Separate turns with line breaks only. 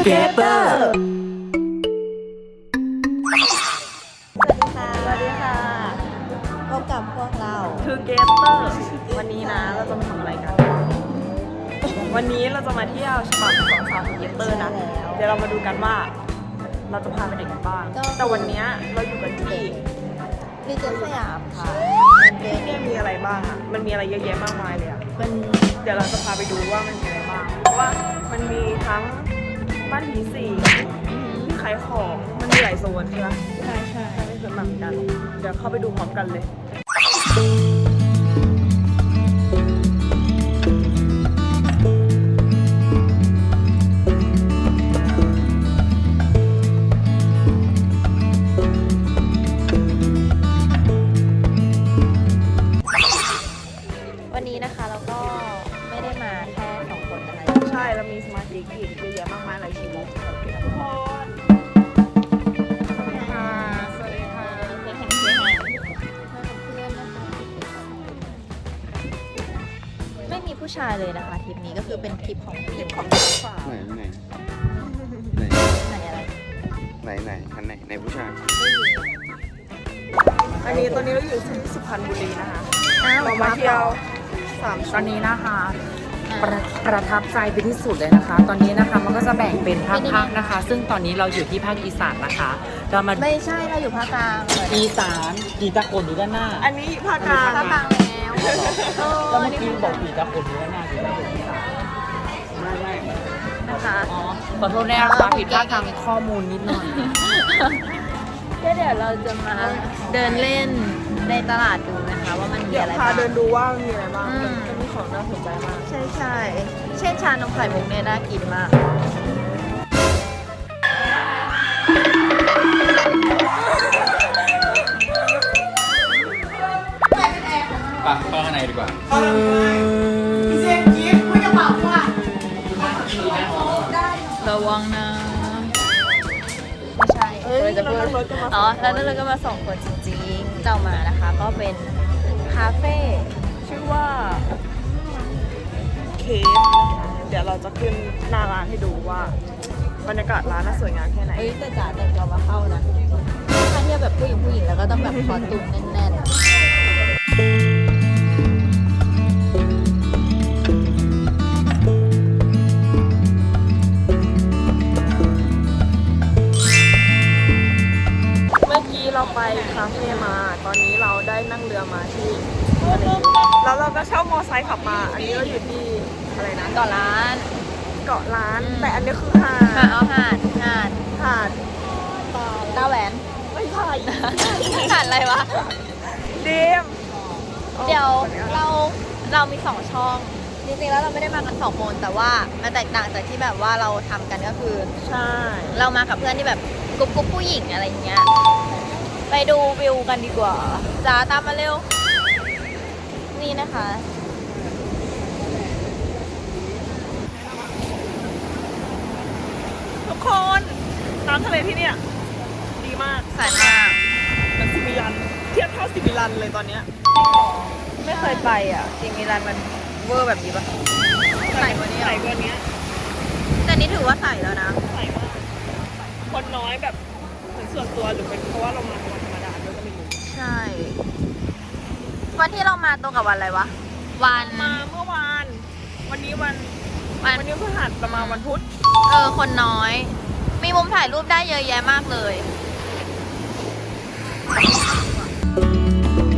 Together
สวัสดีค่ะพบกับพวกเรา
Together วันนี้นะเราจะมาทำอะไรกัน วันนี้เราจะมาเที่ยวฉบับของสาว Together นะ เดี๋ยวเรามาดูกันว่า เราจะพาไปไหนกันบ้าง แต่วันนี้เราอยู่กันที่
รีเจนสยามค่ะ
ที่เนี่ยมีอะไรบ้างอ่ะ มันมีอะไรเยอะแยะมากมายเลยอ่ะ
เป็น
เดี๋ยวเราจะพาไปดูว่ามันมีอะไรบ้าง เพราะว่ามันมีทั้งบ้านผีสิงที่ขายของ มันมีหลายโซนใช่ไหม
ใช่ใช่
ไม่เคยมาเหมือนกัน เดี๋ยวเข้าไปดูพร้อมกันเลย
วันนี้นะคะเราก็ไม่ได้มาแค่2 คนนะคะ
ใช่เรามีสมาชิกอีกเยอะแยะมากมายหลายชีวิตทุกคนสวัสดีค่ะ สวัสดีค่ะ
เพื่อนนะคะไม่มีผู้ชายเลยนะคะทริปนี้ก็คือเป็นทริปของผู้หญิง
ของฝาก
ไหน
ไหนอะไร
ไหนผู้ชาย
อันนี้ตอนนี้เราอยู่ที่สุพรรณบุรีนะคะ
อ้าว
เรามาเที่ยว3
ตอนนี้นะคะประทับใจไปที่สุดเลยนะคะ ตอนนี้นะคะมันก็จะแบ่งเป็นภาคๆนะคะ ซึ่งตอนนี้เราอยู่ที่ภาคอีสานนะคะ เรามา
ไม่ใช่เราอยู่ภาคกลางเลย
อีสานผีตะโกนอยู่ด้านหน้า
อันนี้ภาคกลาง
ภาคกลางแล้ว
แล้วเมื่อกี้บอกผีตะโกนอยู่ด้านหน้าผีตะโกนอีสานไม่
นะคะ
อ๋อขอโทษนะคะผิดพลาดทางข้อมูลนิดหน่อย
ก็เดี๋ยวเราจะมาเดินเล่นในตลาดดูนะคะว่ามันมี
เดี๋ยว
อะไร
พา
บ้าง
เดินดูว่ามีอะไรบ้าง
อืม
มันมีของน่าสนใจมาก
ใช่ใช่เช่นชานมไข่มุกเนี่ยน่ากินมาก
ปะเข้าข้างในดีกว่า
ระวังนะไม่ใช่
เอ้ย
จะ
เรา
พูด
นั่งรถกันมา
อ๋อแล้วนั่นเราก็มา2 คนจริงๆเรามานะคะ ก็เป็นคาเฟ่
ชื่อว่าเคฟนะคะเดี๋ยวเราจะขึ้นหน้าร้านให้ดูว่าบรรยากาศร้านน่าสวยงามแค่ไหน
เอ้ยแต่จ๋าแต่งตัวมาเข้านะถ้าเทียบแบบผู้หญิงแล้วก็ต้องแบบคอตุ้มแน่นๆ
เมื่อกี้เราไปคาเฟ่มา ตอนนี้เราได้นั่งเรือมาที่ทะเลแล้วเราก็เช่ามอไซค์ขับมา อันนี้เราอยู่ที่อะไรนะ
ก่อนร้าน
เกาะล้าน แต่อันนี้คือหา
หาด
ด
เอาหาด
หาด
ตาแหวน
ไม่ใช่
หาดอะไรวะ
เดม
เดี๋ยวเรามี2 ช่อง จริงๆแล้วเราไม่ได้มากัน2 คนแต่ว่ามันแตกต่างจากที่แบบว่าเราทำกันก็คือ
ใช่
เรามากับเพื่อนที่แบบกรุ๊ปผู้หญิงอะไรอย่างเงี้ย ไปดูวิวกันดีกว่าจ้าตามมาเร็ว นี่นะคะ
ทุกคนน้ำทะเลที่เนี่ยดีมาก
ใสมาก
มันซิมิลัน เทียบเท่าซิมิลันเลยตอนเนี้ย
ไม่เคยไปอ่ะจริงมีร้านมันเวอร์แบบนี้ปะใสกว่านี้
ใสกว่านี้
แต่นี่ถือว่าใสแล้วนะ
ใสมากคนน้อยแบบเหมือนส่วนตัวหรือเป็นเพราะว่าเรามาวันธรรมดาด้วยก็ไม่รู้
ใช่ วันที่เรามาตรงกับวันอะไรวะ วัน
มาเมื่อวาน วันนี้วันนี้พฤหัสประมาณวันพุธ
คนน้อย มีมุมถ่ายรูปได้เยอะแยะมากเลย